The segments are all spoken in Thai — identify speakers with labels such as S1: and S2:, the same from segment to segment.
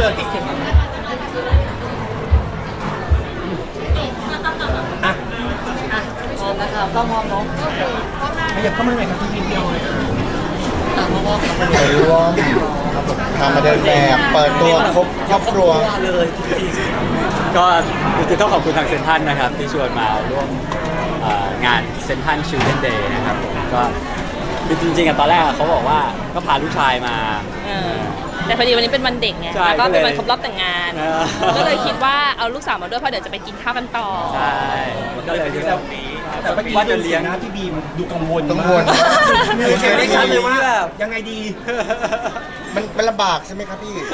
S1: เลยอ่ะ
S2: พร้อมนะครับต้องพร้อมเนาะ
S1: ขยับเข้ามาหน่อยครับพี่เดียว
S2: เพราะว่า
S3: ไปร่วมทำมาเดินแบบเปิดตัวครอบครัว
S1: เลยจริง
S4: ก็จะต้องขอบคุณทางเซ็นทรัลนะครับที่ชวนมาร่วมงานเซ็นทรัลชิลเดนเดย์นะครับผมก็จริงๆตอนแรกเขาบอกว่าก็พาลูกชายมา
S2: แต่พอดีวันนี้เป็นวันเด็กไงแล้วก็เป็นวันครบรอบแต่งงานก็เลยคิดว่าเอาลูกสาวมาด้วยเพราะเดี๋ยวจะไปกินข้าวกันต่อ
S4: ใช่ก็เลยคิดว่า
S1: แต่เมื่อกี้ว่าจะเลี้ยงนะพี่บีมดูกังวลเห็นได้ชัดเลยว่ายังไงดี
S3: มันลำบากใช่ไหมครับพี่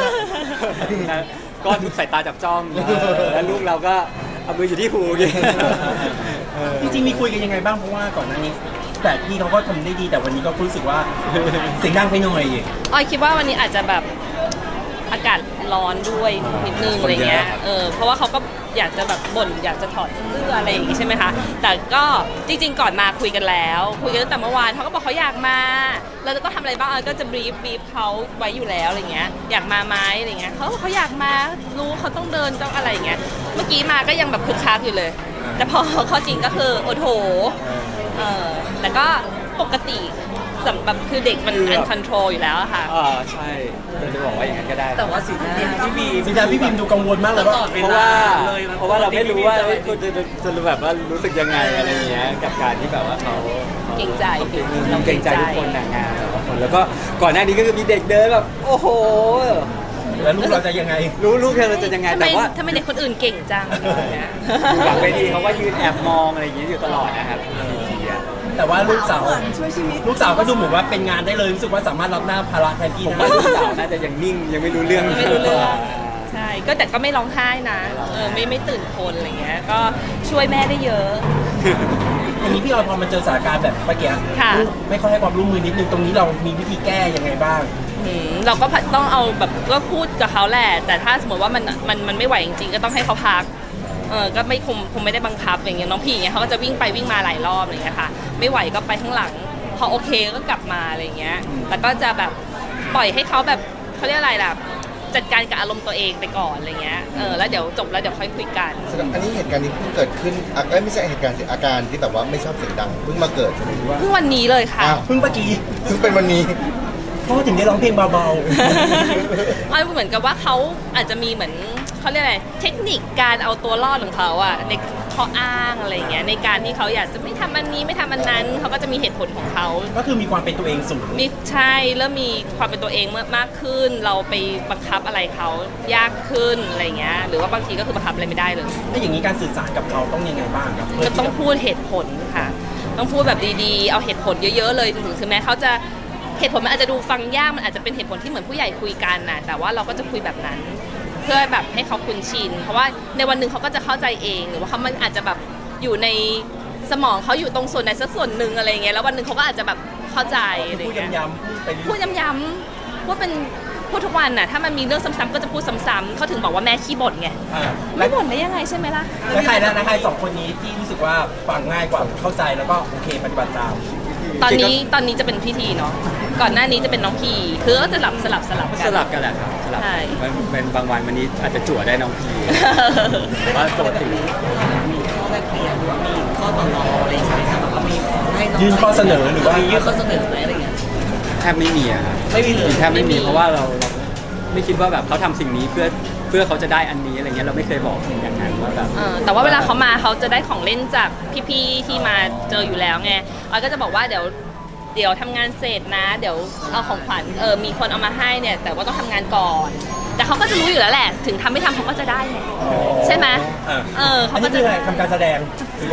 S4: ก็ถูกสายตาจับจ้องแล้วลูกเราก็เอามืออยู่ที่หู
S1: จริงๆมีคุยกันยังไงบ้างเพราะว่าก่อนหน้านี้แต่พี่เขาก็ทำได้ดีแต่วันนี้ก็รู้สึกว่าเสียงดังไปหน่อย
S2: ออยคิดว่าวันนี้อาจจะแบบอากาศร้อนด้วยนิดนึงอะไรเงี้ยเพราะว่าเขาก็อยากจะแบบบ่นอยากจะถอดเสื้ออะไรอย่างงี้ใช่ไหมคะแต่ก็จริงๆก่อนมาคุยกันแล้วคุยกันตั้งแต่เมื่อวานเขาก็บอกเขาอยากมาเราจะต้องทำอะไรบ้างก็จะบรีฟเขาไว้อยู่แล้วอะไรเงี้ยอยากมาไหมอะไรเงี้ยเขาอยากมารู้เขาต้องเดินต้องอะไรอย่างเงี้ยเมื่อกี้มาก็ยังแบบคึกคักอยู่เลยแต่พอเข้าจริงก็คือโอ้โหแต่ก็ปกติสำหรับคือเด็กมันอันคอนโทรลอยู่แล้วค่ะ
S4: ใช่จะบอกว่าอย่างนั้นก็ได้
S2: แต่ว่าสีหน้า
S1: พี่บีมดูกังวลมากเลย
S4: เพราะว่าเราไม่รู้ว่าคุณจะแบบว่ารู้สึกยังไงอะไรเงี้ยกับการที่แบบว่าเขา
S2: เก่งใจ
S4: ต้องเก่งใจทุกคนงานแต่ละคนแล้วก็ก่อนหน้านี้ก็คือมีเด็กเดินแบบโอ้โห
S1: แล้วลูกเราจะยังไง
S4: ลูกเราจะยังไงแต่ว่า
S2: ทำไมเด็กคนอื่นเก่งจัง
S4: อยู่หลังเวทีเขาก็ยืนแอบมองอะไรอย่างเงี้ยอยู่ตลอดนะครับ
S1: แต่ว่าลูกสาวก็ดูเหมือนว่าเป็นงานได้เลยรู้สึกว่าสามารถรับหน้าภาระแทนพี่
S4: ได้ลูกสาวน่าจะยังนิ่งยังไม่รู้เรื่อง
S2: ใช่ก็แต่ก็ไม่ร้องไห้นะไม่ตื่นคนอะไรเงี้ยก็ช่วยแม่ได้เยอะ
S1: อย่างนี้พี่ออยพอมาเจอสถานการณ์แบบเมื่อกี้ไม่ค่อยให้ความร่วมมือนิดนึงตรงนี้เรามีวิธีแก้ยังไงบ้าง
S2: เราก็ต้องเอาแบบก็พูดกับเขาแหละแต่ถ้าสมมติว่ามันไม่ไหวจริงๆก็ต้องให้เขาพักก็ไม่คงไม่ได้บังคับอย่างเงี้ยน้องพี่อย่างเงี้ยเขาก็จะวิ่งไปวิ่งมาหลายรอบอะไรเงี้ยค่ะไม่ไหวก็ไปข้างหลังพอโอเคก็กลับมาอะไรเงี้ยแต่ก็จะแบบปล่อยให้เขาแบบเขาเรียกอะไรล่ะจัดการกับอารมณ์ตัวเองไปก่อนอะไรเงี้ยแล้วเดี๋ยวจบแล้วเดี๋ยวค่อยคุยกัน
S3: อันนี้เหตุการณ์นี้เพิ่งเกิดขึ้นไม่ใช่เหตุการณ์อาการที่แบบว่าไม่ชอบเสียงดังเพิ่งมาเกิดใช่ไหมว่า
S2: เพิ่งวันนี้เลยค่ะ
S1: เพิ่งเมื่อกี้
S3: เพิ่งเป็นวันนี้
S1: พ่อถึงได้ร้องเพลงเบา
S2: ๆเหมือนกับว่าเขาอาจจะมีเหมือนเขาเรียกอะไรเทคนิคการเอาตัวรอดของเขาอะในข้ออ้างอะไรเงี้ยในการที่เขาอยากจะไม่ทำอันนี้ไม่ทำอันนั้นเขาก็จะมีเหตุผลของเขา
S1: ก็คือมีความเป็นตัวเองสูง
S2: มีใช่เริ่มมีความเป็นตัวเองมากขึ้นเราไปบังคับอะไรเขายากขึ้นอะไรเงี้ยหรือว่าบางทีก็คือบังคับอะไรไม่ได้เลย
S1: ถ้าอย่างนี้การสื่อสารกับเขาต้องยังไงบ้างครับ
S2: ก็ต้องพูดเหตุผลค่ะต้องพูดแบบดีๆเอาเหตุผลเยอะๆเลยถึงแม้เขาจะเหตุผลมันอาจจะดูฟังยากมันอาจจะเป็นเหตุผลที่เหมือนผู้ใหญ่คุยกันนะแต่ว่าเราก็จะคุยแบบนั้นเพื่อแบบให้เขาคุ้นชินเพราะว่าในวันหนึ่งเขาก็จะเข้าใจเองหรือว่าเขามันอาจจะแบบอยู่ในสมองเขาอยู่ตรงส่วนใดสักส่วนหนึ่งอะไรเงี้ยแล้ววันหนึ่งเขาก็อาจจะแบบเข้าใจอะไรเงี้ยพูดย้ำๆพูดทุกวันน่ะถ้ามันมีเรื่องซ้ำๆก็จะพูดซ้ำๆเขาถึงบอกว่าแม่ขี้บ่นไงไม่บ่นได้ยังไงใช่ไหมล่ะ
S1: แล้วใครสองคนนี้ที่รู้สึกว่าฟังง่ายกว่าเข้าใจแล้วก็โอเคปฏิบัติตาม
S2: ตอนนี้จะเป็นพี่ทีเนาะก่อนหน้านี้จะเป็นน้องพีคือก็จะสลับ
S4: กันแหละครับสลับเป็นบางวันวันนี้อาจจะจั่วได้น้องพีว่าปกติ
S2: มีข้อแลกเปลี่ยนหรือว่ามีข้อต่อรองอะไรใช่ไหมครับว่ามีให้
S1: ยื่นข้อเสนอหรือว่า
S2: ยื่นข้อเสนอไหมอะไรเงี้ย
S4: แทบไม่มีอะครับ
S2: ไม่มีเลย
S4: แทบไม่มีเพราะว่าเราไม่คิดว่าแบบเขาทำสิ่งนี้เพื่อเขาจะได้อันนี้อะไรเงี้ยเราไม่เคยบอกอย่างนั้นว่าแบบ
S2: แต่ว่าเวลาเขามาเขาจะได้ของเล่นจากพี่ๆที่มาเจออยู่แล้วไงออยก็จะบอกว่าเดี๋ยวทำงานเสร็จนะเดี๋ยวเอาของขวัญมีคนเอามาให้เนี่ยแต่ว่าต้องทำงานก่อนแต่เขาก็จะรู้อยู่แล้วแหละถึงทำไม่ทำเขาก็จะได้ไงใช่ไหม
S1: เขาก็จะทำการแสดง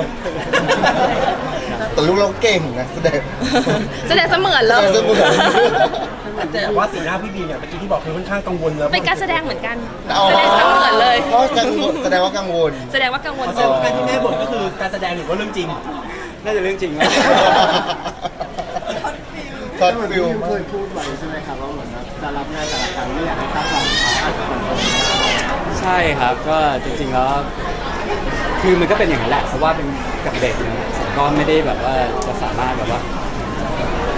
S3: แต่ลูกเราเก่งนะแสดง
S2: เสมือนเลย
S1: แต่ว่าสีหน้าพี่บีเนี่ยเมื่อกี้ที่บอกคือค่อนข้างกังวลแล้ว
S2: เป็นการแสดงเหมือนกันแสดงเสมือนเลย
S3: แสดงว่ากังวล
S1: การที่แม่บ่นก็คือการแสดงหรือว่าเรื่องจริง
S4: น่าจะเรื่องจริง
S3: ช็อตฟิล
S5: เคยพูดไว้ใช่ไหมครับว่าเหมือนจะรับงานแต่ละครั้งไม่อยากให้คาดหวังเขาอาจจะ
S4: ใช่ครับก็จริงๆแล้วคือมันก็เป็นอย่างนั้นแหละเพราะว่าเป็นกับเด็กนะก็ไม่ได้แบบว่าจะสามารถแบบว่าค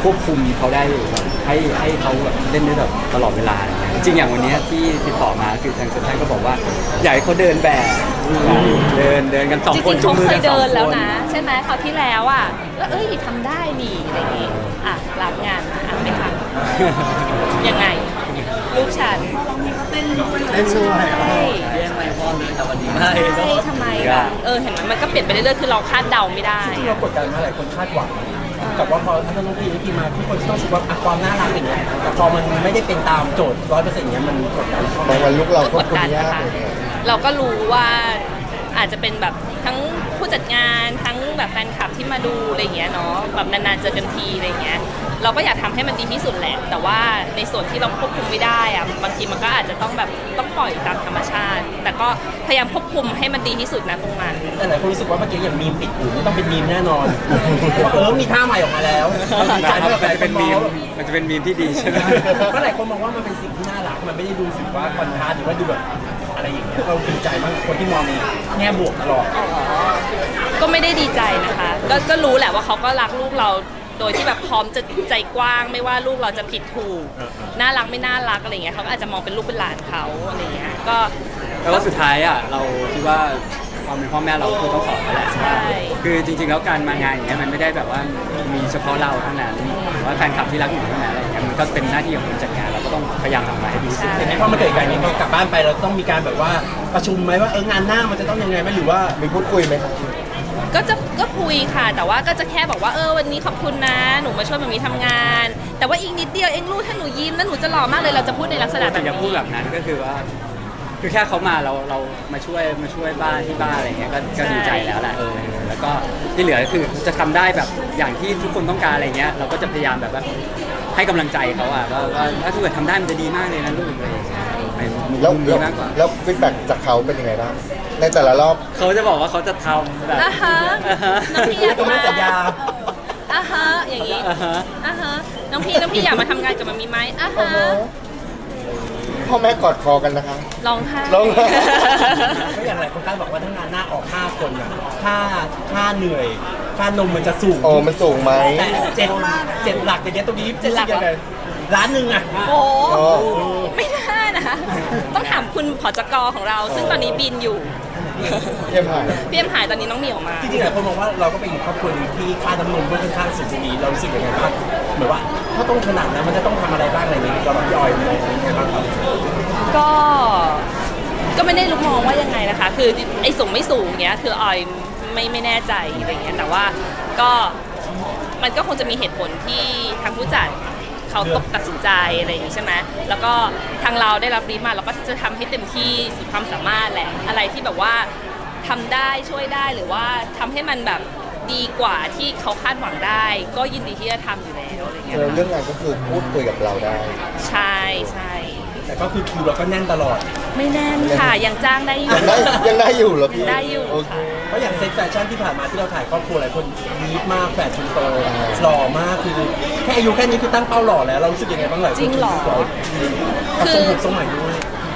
S4: ควบคุมเขาได้อยู่แบบให้เขาแบบเล่นได้แบบตลอดเวลาอะไรเงี้ยจริงๆอย่างวันเนี้ยที่ติดต่อมาคือทางเซ็นทรัลก็บอกว่าอยากให้เขาเดินแบบเดินกันสอง
S2: จ
S4: คน
S2: ริงๆ
S4: จุง
S2: เขา
S4: มือ
S2: เค
S4: กั
S2: ย
S4: นสอง
S2: เดิน
S4: ค
S2: แล้ว
S4: น
S2: นะ ใช่ไหมคราวที่แล้วอ่ะแล้วทำได้นี่อะไรอย่างงี้อ่ะรับงานมาไม่ทำยังไง ลูกฉัน
S5: เล่นด้วย
S2: ใช่
S5: แย่งไมค์พ่อเลยแต่วันนี้ไม่
S2: ใช่ทำไมล่ะเห็นไหมมันก็เปลี่ยนไปเรื่อยๆคือเราคาดเดาไม่ได้
S1: จริงๆเรากดดันมาหลายคนคาดหวังกับว่าพอถ้าน้องพีมาทุกคนต้องรู้สึกว่าความน่ารักอย่างเงี้ยแต่พอมันไม่ได้เป็นตามโจทย์100%อย่างเงี้ยมันกดดันเข้า
S3: บางวันลูกเรา
S2: ก็
S3: คว
S2: ก
S3: บ
S2: ด
S3: คุม
S2: ดัน
S3: ยา
S2: นะ
S3: ก
S2: คะ
S3: เลย
S2: เราก็รู้ว่าอาจจะเป็นแบบทั้งผู้จัดงานทั้งแบบแฟนคลับที่มาดูอะไรอย่างเงี้ยเนาะแบบนานๆเจอกันทีอะไรอย่างเงี้ยเราก็อยากทำให้มันดีที่สุดแหละ แต่ว่าในส่วนที่เราควบคุมไม่ได้อะบางทีมันก็อาจจะต้องแบบต้องปล่อยตามธรรมชาติ แต่ก็พยายามควบคุมให้มันดีที่สุดนะตรงนั้น
S1: แต่หลายคนรู้สึกว่าเมื่อกี้อย่างมีมปิดหูไม่ต้องเป็นมีมแน่นอนว่ามีท่าใหม่ออกมาแล้วดีใจ
S4: มัน
S1: ที่แบบหลาย
S4: จะ
S1: ค
S4: เป็น
S1: นม
S4: มี
S1: อง
S4: มมันจะเป็นมีมที่ดีใช่ไหม
S1: ก็หลายคนมองว่ามันเป็นสิ่งที่น่ารักมันไม่ได้ดูสึกว่าคอนทราสต์หรือว่าดูแบบอะไรอย่างเงี้ยเราดีใจมากคนที่มองในแง่บวกตลอด
S2: ก็ไม่ได้ดีใจนะคะ ก็รู้แหละว่าเขาก็รักลูกเราโดยที่แบบพร้อมจะใจกว้างไม่ว่าลูกเราจะผิดถูกน่ารักไม่น่ารักอะไรเงี้ยเขาก็อาจจะมองเป็นลูกเป็นหลานเขาอะไรเงี้ยก็
S4: แต่ว่าสุดท้ายอ่ะเราคิดว่าความเป็นพ่อแม่เราคือต้องสอนเขาแหละ
S2: ใช่
S4: คือจริงๆแล้วการมางานอย่างเงี้ยมันไม่ได้แบบว่ามีเฉพาะเราเท่านั้นหรือว่าแฟนคลับที่รักอยู่เท่านั้นอะไรอย่างเงี้ยมันก็เป็นหน้าที่ของคนจัดงานเราก็ต้องพยายามทำออกมาให้ดีที่สุด
S1: เห็นไหมพอมันเกิดการนี้พอกลับบ้านไปเราต้องมีการแบบว่าประชุมไหมว่างานหน้ามันจะต้องยังไงไหมหรือว่า
S3: มีพูดคุยไหมครับ
S2: ก็คุยค่ะ แต่ว่าก็จะแค่บอกว่าวันนี้ขอบคุณนะหนูมาช่วยแบบนี้ทำงาน แต่ว่าอีกนิดเดียวเองลูกถ้าหนูยิ้มแล้วหนูจะหล่อมากเลยเราจะพูดในลักษณะแบ
S4: แต่
S2: บ
S4: อย่าพูด
S2: นี้
S4: แบบนั้นก็คือว่า คือแค่เขามาเรามาช่วยบ้านที่บ้านอะไรเงี้ยก็ดีใจแล้วแหละแล้วก็ที่เหลือก็คือจะทำได้แบบอย่างที่ทุกคนต้องการอะไรเงี้ยเราก็จะพยายามแบบว่าให้กำลังใจเขาอ่ะว่าถ้าเกิดทำได้มันจะดีมากเลยนะลูกอะไรอย่างเงี้ยในมุม
S3: แล้ว
S4: นี้มากกว่า
S3: แล้วฟีดแบ็กจากเขาเป็นยังไงบ้างในแต่ละรอบ
S4: เขาจะบอกว่าเขาจะทำแบบ
S2: อ่ะฮะน้องพี่อยาก
S1: ก็ไม่
S2: มา
S1: สัญญา
S2: อ่ะฮะอย่างนี้
S4: อ่าฮะ
S2: อ่ะฮะน้องพี่อยากมาทำงานกับมันมีไหมอ่ะฮะ
S3: พ่อแม่กอดคอกันนะคะ
S2: ร้องไห้
S3: ร้องไห้
S1: ก็อย่างไรคนคาดบอกว่าถ้างานหน้าออก5คนอะค่าเหนื่อยค่านมมันจะสูง
S3: โอ้มันสูงไหม
S1: แต่เจ็ดหลักอย่างเงี้ยตรงนี้
S2: เจ็ดหลักเหรอ
S1: ยังไงล้านหนึ่งอะ
S2: โอ้
S3: โอ้
S2: ไม่ได้นะ ต้องถามคุณผจกของเรา ซึ่งตอนนี้บินอยู่
S3: เยี่ยมหาย
S2: พี่เอ็มหายตอนนี้น้องเหมียวมา
S1: จริงๆหลายคนมองว่าเราก็เป็นครอบครัวหนึงที่ค่าน้ำนมก็ค่อนข้างสูงดีเรารู้สึกยังไงบ้างเหมือนว่าถ้าต้องขนาดนั้นมันจะต้องทำอะไรบ้างอะไรอย่างเงี้ยเราแบบพี่ออยมองยังไงบ้างครับ
S2: ก็ไม่ได้รู้มองว่ายังไงนะคะ คือไอ้สูงไม่สูงเนี้ยคือออยไม่แน่ใจอะไรเงี้ยแต่ว่าก็มันก็คงจะมีเหตุผลที่ทางผู้จัดเขาตกตัดสินใจอะไรอย่างงี้ใช่ไหมแล้วก็ทางเราได้รับบรีฟมาเราก็จะทำให้เต็มที่สุดความสามารถแหละอะไรที่แบบว่าทำได้ช่วยได้หรือว่าทำให้มันแบบดีกว่าที่เขาคาดหวังได้ ก็ยินดีที่จะทำอยู่แล้วอะไรเงี้ย
S3: เรื่องงานก็คือพูดคุยกับเราได้
S2: ใช่ใช่
S1: แต่ก็คือคิวเราก็แน่นตลอด
S2: ไม่แน่นค่ะยังจ้างได้อยู่
S3: ยังได้อยู่เหรอพี่
S2: ได้อยู่
S3: โอเค
S1: เพราะอย่างเซ็ตแฟชั่นที่ผ่านมาที่เราถ่ายครอบครัวหลายคนดีมากแฟชั่นโตหล่อมากคือแค่อายุแค่นี้คือตั้งเป้าหล่อแล้วเรารู้สึกยังไงบ้างหลายคน
S2: จริงเหรอ
S1: กับทรงผมทรงใหม่ด้วย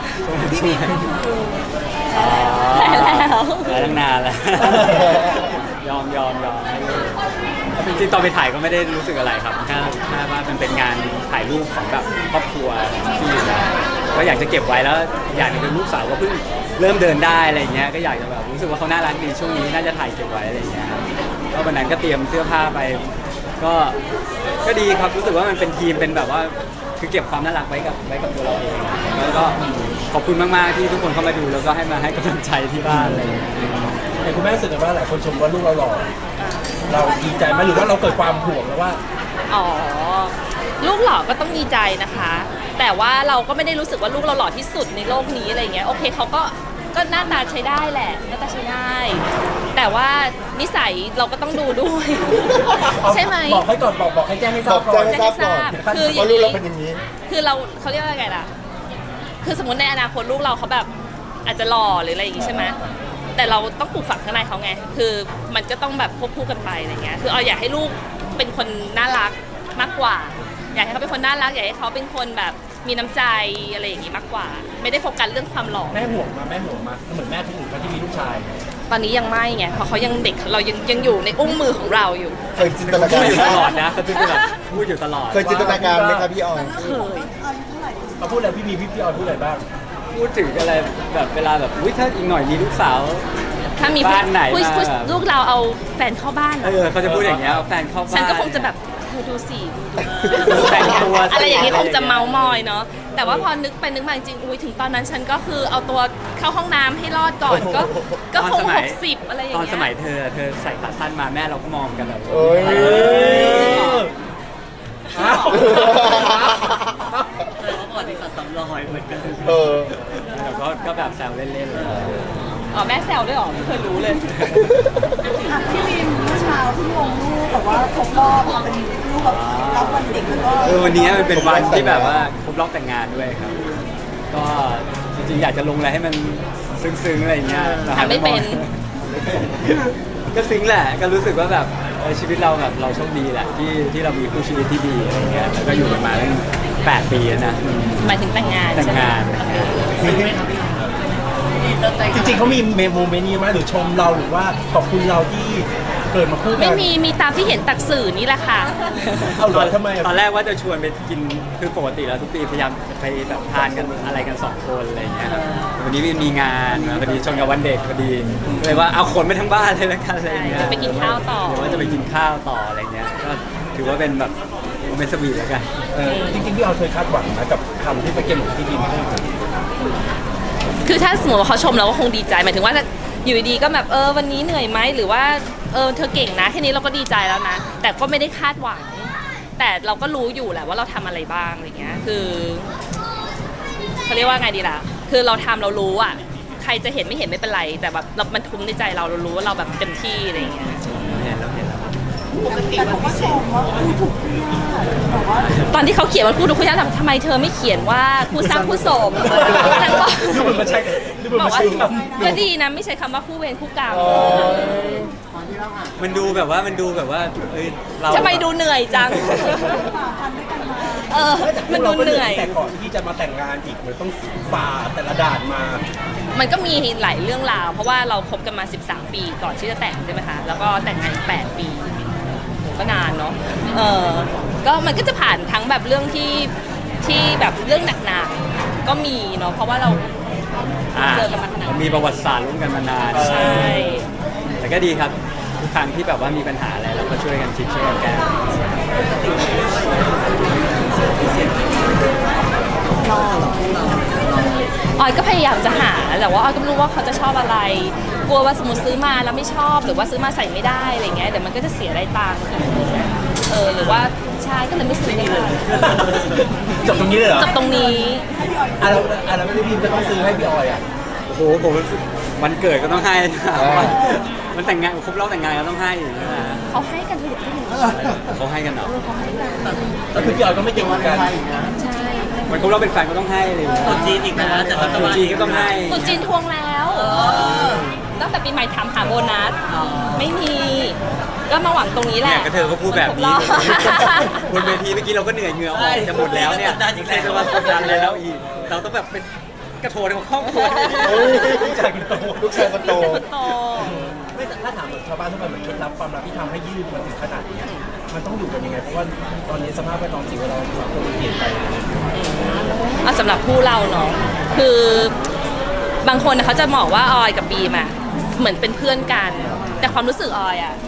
S4: อ๋อ
S2: ได้แล้ว
S4: ได้ตั้งนานแล้ว ยอมจริงๆตอนไปถ่ายก็ไม่ได้รู้สึกอะไรครับแค่ว่ามันเป็นงานถ่ายรูปของแบบครอบครัวที่อยู่นะก็อยากจะเก็บไว้แล้วอย่างหนึงคือลูกสาวก็เพิ่งเริ่มเดินได้อะไรเงี้ยก็อยากจะแบบรู้สึกว่าเขาน่ารักดีช่วงนี้น่าจะถ่ายเก็บไว้อะไรเงี้ยครับก็วันนั้นก็เตรียมเสื้อผ้าไป ก็ดีครับรู้สึกว่ามันเป็นทีมเป็นแบบว่าคือเก็บความน่ารักไว้กับตัวเราเองแล้วก็ขอบคุณมากๆที่ทุกคนเข้ามาดูแล้วก็ให้มาให้กำลังใจที่บ้านอะไรอย่างเงี้ย
S1: แต่คุณแม่รู้สึกว่าหลายคนชมว่าลูกเราหล่อเราดีใจไหมหรือว่าเราเกิดความห่วงแล้วว่า
S2: อ๋อลูกหล่อก็ต้องดีใจนะคะ แต่ว่าเราก็ไม่ได้รู้สึกว่าลูกเราหล่อที่สุดในโลกนี้อะไรเงี้ยโอเคเขาก็หน้าตาใช้ได้แหละหน้าตาใช้ได้ แต่ว่านิสัยเราก็ต้องดูด้วย ใช่ไหม
S1: บอกให้ก่อนบอกให้แจ้งให้ทราบก่
S3: บ
S1: อ
S3: อน กแจ้ง
S2: จะให้ทราบคืออ
S3: เพ
S2: ย่า
S3: ราะ
S2: ง
S3: ลูก
S2: นี้
S3: เราเป็นอย่างนี้
S2: คือเขาเรียกว่าไงล่ะ คือสมมติในอนาคตลูกเราเขาแบบอาจจะหล่อหรืออะไรอย่างงี้ใช่ไหมแต่เราต้องปลูกฝังข้างในเขาไง คือมันก็ต้องแบบควบคู่กันไปอะไรเงี้ย คืออยากให้ลูกเป็นคนน่ารักมากกว่า อยากให้เขาเป็นคนน่ารัก อยากให้เขาเป็นคนแบบมีน้ำใจอะไรอย่างงี้มากกว่า ไม่ได้โฟกัสเรื่องความหล่อ
S1: แม่ห่วงมาเหมือนแม่ทุกคนที่มีลูกชาย
S2: ตอนนี้ยังไม่ไงเพราะเขายังเด็กเรายังอยู่ในอุ้งมือของเราอยู่
S3: เคยจินตนา
S4: พู
S3: การ
S4: ดอยู่ตลอดนะเขาจะแบบพูดอยู่ตลอด
S3: เคยจินตนาการไหมครับพี่ออย
S2: เคย
S1: เขาพูดอะไรพี่ออยพูดอะไรบ้าง
S4: พูดถึงอะไรแบบเวลาแบบอุ้ยถ้าอีกหน่อยมีลูกสาว
S2: ถ้ามี
S4: บ้านไหน
S2: ผู้
S4: มา
S2: ลูกเราเอาแฟนเข้าบ้าน
S4: เขาจะพูดอย่างเงี้ยเอาแฟนเข้าบ้าน
S2: ฉันก็คงจะแบบเธอดูสิ
S4: ดูแต่งตัวสิ
S2: อะไรอย่างนี้คงจะเมามอยเนาะแต่ว่าพอนึกไปนึกมาจริงๆอุ้ยถึงตอนนั้นฉันก็คือเอาตัวเข้าห้องน้ำให้รอดก่อนก็คง60อะไรอย่าง
S4: ตอน
S2: เงี้ย
S4: สมัยเธอใส่ขาสั้นมาแม่เราก็มองกันแบบ
S3: เอ้ย
S1: อ้าว
S5: เขาบอกที่สัตว์สำรอยเหมือนกัน
S3: เออ
S4: แต่ก็แบบแซวเล่นๆเลย
S2: อ๋อแม่แซวด้วยเหรอไม่เคยรู้เลย
S6: พี่วินเมื่อเช้าที่ลงรูปแบบว่าครบรอบมาเป็นรูปแบบรับวันเด็กแล้วก็
S4: วันนี้มันเป็นวันที่แบบว่าครบรอบแต่งงานด้วยครับ ก็จริงๆอยากจะลงอะไรให้มันซึ้งๆอะไรอย่างเงี้ยแต่
S2: ทำไม่เป็น
S4: ก็ซึ้งแหละก็รู้สึกว่าแบบชีวิตเราแบบเราโชคดีแหละที่เรามีคู่ชีวิตที่ดีอะไรเงี้ยแล้วก็อยู่กันมาตั้ง8 ปีแล้วนะ
S2: หมายถึงแต่งงาน
S4: แต่ง
S2: ใช่ไหม
S4: งาน
S1: จริงๆเขามีโมเมนต์นี้ไหมหรือชมเราหรือว่าขอบคุณเราที่เกิดมาคู่กั
S2: ไม่มีตามที่เห็นตักสื่อนี่แหละค่ะ
S1: เอาเหรอทำไมอะ
S4: ตอนแรกว่าจะชวนไปกินคือปกติแล้วทุกปีพยายามไปแบบทานกันอะไรกัน2 คนอะไรอย่างเงี้ยครับวันนี้มีงานมาพอดีชนกับวันเด็กพอดีเลยว่าเอาคนไปทั้งบ้านเลยแล้วกันอะไรอย่างเงี้ย
S2: ไปกินข้าวต่อ
S4: หรือว่าจะไปกินข้าวต่ออะไรเงี้ยก็ถือว่าเป็นแบบเป็นสวีทแล้วกัน
S1: จริงๆพี่ออยเคยคาดหวังนะกับคำที่ไปเก็บของพี่ดิมพูด
S2: คือถ้าสมมติว่าเขาชมเราก็คงดีใจหมายถึงว่าถ้าอยู่ดีๆก็แบบวันนี้เหนื่อยไหมหรือว่าเธอเก่งนะแค่นี้เราก็ดีใจแล้วนะแต่ก็ไม่ได้คาดหวัง แต่เราก็รู้อยู่แหละว่าเราทำอะไรบ้างอะไรเงี้ยคือเขาเรียกว่าไงดีล่ะคือเราทำเรารู้อ่ะใครจะเห็นไม่เห็นไม่เป็นไร แต่แบบมันทุ้มในใจเรารู้ว่าเราแบบเต็มที่อะไรเงี้ย
S4: เห็นแล้ว
S6: แต่ผมก็ชมว่าถูกที่แบบว่า
S2: ตอนที่เขาเขียนมันพูดทุกอย่างทำไมเธอไม่เขียนว่าคู่สร้างคู่สมนางบอก
S1: ดูเหมือนมันใช่ดูเหมือน
S2: บอ
S1: มั
S2: ก
S1: น
S2: ว่า
S1: ใช่ครับ
S2: ก็ดีนะไม่ใช้คำว่าคู่เวรคู่กรรม
S4: มันดูแบบว่าเรา
S2: ทำไมดูเหนื่อยจัง
S6: ฝ่าฟันด้วยกันมา
S2: มันดูเหนื่อย
S1: แต่ก่อนที่จะมาแต่งงานอีกมันต้องฝ่าแต่ละด่านมา
S2: มันก็มีหลายเรื่องราว เพราะว่าเราคบกันมา 13 ปีก่อนที่จะแต่งใช่ไหมคะ แล้วก็แต่งงานอีก8 ปี ก็นานเนาะก็มันก็จะผ่านทั้งแบบเรื่องที่แบบเรื่องหนักๆ ก็มีเนาะ เพราะว่าเราเจอกันมาขนาด
S4: มีประวัติศาสตร์ร่วมกันมานาน
S2: ใช่
S4: แต่ก็ดีครับทุกครั้งที่แบบว่ามีปัญหาอะไรเราก็ช่วยกันคิดช่วยกันแก้
S2: ออยก็พยายามจะหาแต่ว่าออยก็ไม่รู้ว่าเขาจะชอบอะไร กลัวว่าสมมติซื้อมาแล้วไม่ชอบหรือว่าซื้อมาใส่ไม่ได้อะไรเงี้ยเดี๋ยวมันก็จะเสียรายตังค์หรือว่าใช่ก็เลยไม่ซื้อเลย
S1: จบตรงนี้เลยเหรอ
S2: จบตรงนี้
S1: แล้วพี่ดิมจะต้องซื้อให้พี่ออยอ่ะ
S4: โอ้โหผมวันเกิดก็ต้องให้นะมันแต่งงานครบรอบแต่งงานก็ต้องให้ใช่ไหม
S2: เขาให้กันทุกที่
S4: เขาให้กันเหรอ
S1: แล้วคือพี่ออยก็ไม่เก่งเหมือนกัน
S2: ใช่
S4: มันครบรอบเป็นแฟนก็ต้องให้เลย
S5: ตัวจีนอีกนะแต่ว่า
S4: ตัวจีนก็ต้องให้
S2: ตุจีนทวงแล้วตั้งแต่ปีใหม่ถามหาโบนัสไม่มี ก็มาหวังตรงนี้แห
S4: เนี่
S2: ละ
S4: ยก็เธอก็พูดแบบนี้
S2: ครบรอบ
S4: บนเวทีเมื่อกี้เราก็เหนื่อยเหงื่อออกจะหมดแล้วเนี่ยใครจะมากดดันเลยแล้วอีกเราต้องแบบเป็นกระโถนของครอบครัว
S1: ลูกชายคนโต
S3: ลูกชายคนโต
S2: โต
S1: ไม่แต่ถ้าถามเหมือนชาวบ้านทั่วไปเหมือนเคล็ดลับความรักที่ทำให้ยืดมาถึงขนาดนี้มันต้องอยู่กันยังไงเพราะว่าตอนนี้สภาพแวดล้อมสิ่งแวดล้อมสังคมมันเปลี่ยนไป
S2: สำหรับคู่เราเนาะคือบางคนเขาจะบอกว่าออยกับบีมอะเหมือนเป็นเพื่อนกัน แต่ความรู้สึกออยอะ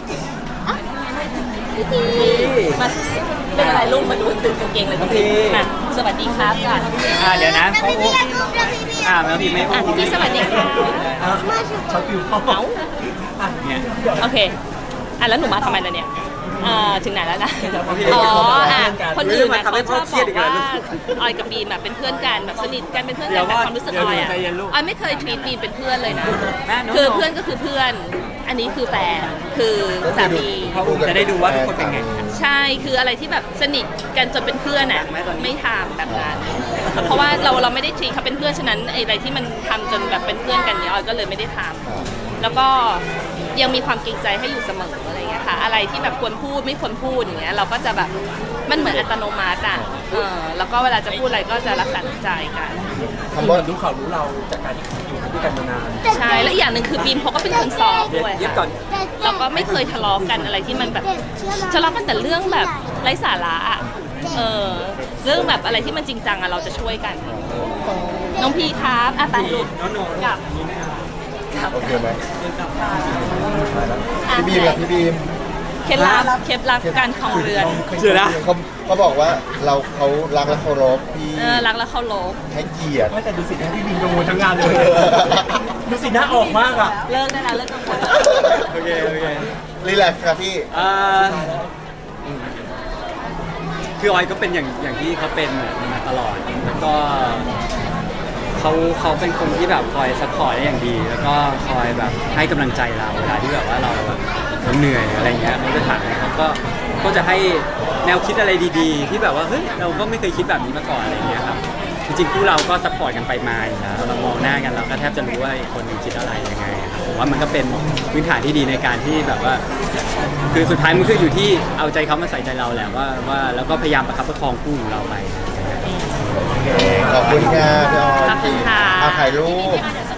S2: มาเป็นอะไรลูกมาดูตื่นกางเกงเลยพี่มาสวัสดีครับก่อน
S4: เดี๋ยวนะเขาแมวพี่ไม่
S2: พี่สวัสดีค่ะ
S1: ช็อตฟิวเข้า
S2: เอา
S4: เนี่ย
S2: โอเคแล้วหนูมาทำไมล่ะเนี่ยถึงไหนแล้วนะ คนอื่นนะเขาชอบบอกว่าออยกับบีมแบบเป็นเพื่อนกันแบบสนิทกันเป็นเพื่อนกันแต่ความรู้สึกออยอะออยไม่เคยทวีตบีมเป็นเพื่อนเลยนะคือเพื่อนก็คือเพื่อน อันนี้คือแฟนคือสามี
S4: เขาจะได้ดูว่าทุกคนเป็นไง
S2: ใช่คืออะไรที่แบบสนิทกันจนเป็นเพื่อนอ่ะไม่ทำแบบนั้นเพราะว่าเราไม่ได้ทรีเขาเป็นเพื่อนฉะนั้นอะไรที่มันทำจนแบบเป็นเพื่อนกันเนี้ยออยก็เลยไม่ได้ทำแล้วก็ยังมีความเกรงใจให้อยู่เสมออะไรอย่างเงี้ยค่ะอะไรที่แบบควรพูดไม่ควรพูดอย่างเงี้ยเราก็จะแบบมันเหมือนอัตโนมัติอ่ะแล้วก็เวลาจะพูดอะไรก็จะรักษาน้ำใจกัน
S1: คือเหมือนรู้เขารู้เราจากการที่อยู่ด้วยกันมานาน
S2: ใช่แล้วอีกอย่างหนึ่งคือบีมเขาก็เป็นคนซอฟต์ด้วย
S1: เย็บก่อน
S2: เราก็ไม่เคยทะเลาะกันอะไรที่มันแบบทะเลาะกันแต่เรื่องแบบไร้สาระอะเรื่องแบบอะไรที่มันจริงจังอะเราจะช่วยกันน้องพีครับอ่ะไปลูกกลับ
S3: โอเคไหม
S2: อ่ะ
S3: พี่บีมล่ะพี่บีม
S2: เคล็ดลับการครองเรือน
S4: เชื่อนะ
S3: เขาบอกว่าเขารักและเคารพพี่
S2: รักและเคารพ
S3: ให้เกียรติ
S1: ไม่แต่ดูสิหน้าพี่บินกังวลทั้งงานเลยดูสิหน้าออกมากอ่ะ
S2: เลิกได้แล้วเลิกกังวล
S4: โอเคโอเค
S3: รีแลกซ์ครับพี่
S4: คือออยก็เป็นอย่างที่เขาเป็นมาตลอดแล้วก็เขาเป็นคนที่แบบคอยซัพพอร์ตได้อย่างดี แล้วก็คอยแบบให้กำลังใจเราเวลาที่แบบว่าเราเหนื่อยอะไรเงี้ยเขาจะถามเขาก็จะให้แนวคิดอะไรดีๆ ที่แบบว่าเฮ้ยเราก็ไม่เคยคิดแบบนี้มาก่อนอะไรเงี้ยครับจริงๆคู่เราก็ซัพพอร์ตกันไปมาอยู่แล้วเรามองหน้ากันเราก็แทบจะรู้ว่าอีกคนหนึงคิดอะไรยังไงครับผมว่ามันก็เป็นพื้นฐานที่ดีในการที่แบบว่า คือสุดท้ายมันคืออยู่ที่เอาใจเขามาใส่ใจเราแหละว่าแล้วก็พยายามประคับประคองคู่ของเราไป
S3: ขอบคุณค่ะพี่ออย
S2: ขอบคุณค่ะ
S3: เอาถ่ายรูป
S6: เดี๋ยว